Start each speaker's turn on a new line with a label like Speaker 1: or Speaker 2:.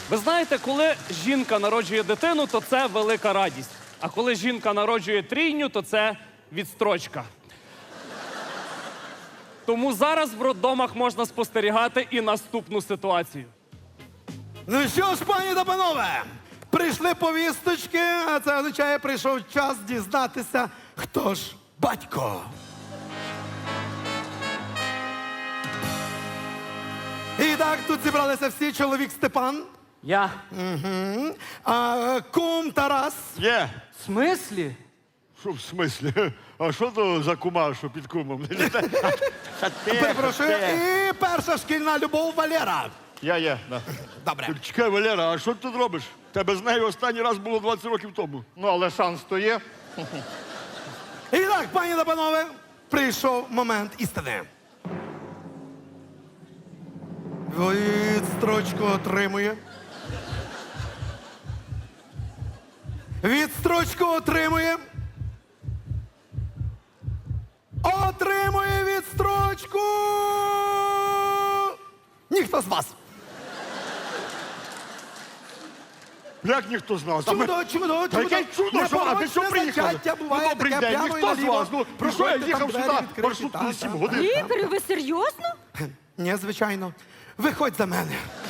Speaker 1: Ви знаєте, коли жінка народжує дитину, то це велика радість. А коли жінка народжує трійню, то це відстрочка. Тому зараз в роддомах можна спостерігати і наступну ситуацію.
Speaker 2: Ну що ж, пані та панове, прийшли повісточки, а це означає, прийшов час дізнатися, хто ж батько. І так, тут зібралися всі. Чоловік Степан,
Speaker 3: Я?
Speaker 2: кум Тарас,
Speaker 4: Є.
Speaker 3: В смислі?
Speaker 4: Що в смислі? А що то за кума, що під кумом?
Speaker 2: перепрошую, і перша шкільна любов Валера.
Speaker 4: Я є. Да.
Speaker 2: Добре.
Speaker 4: Чекай, Валера, а що ти тут робиш? Тебе з нею останній раз було 20 років тому.
Speaker 5: Ну, але шанс то є.
Speaker 2: І так, пані та панове, прийшов момент істини. Відстрочку отримує. Відстрочку отримує. Отримує відстрочку! Ніхто з вас.
Speaker 4: Як ніхто з нас?
Speaker 2: Чудо, чудо,
Speaker 4: Та яке чудо, що ви що приїхали?
Speaker 2: Буває
Speaker 4: Добрий
Speaker 2: таке
Speaker 4: день,
Speaker 2: прямо і
Speaker 4: ніхто з
Speaker 2: наліво.
Speaker 4: вас. Ну, що я
Speaker 2: Проходьте,
Speaker 4: їхав
Speaker 2: там
Speaker 4: сюди
Speaker 2: двері відкриті,
Speaker 4: маршруткою 7 годин.
Speaker 6: Ігор, ви серйозно?
Speaker 2: Ні, звичайно. Виходь за мене.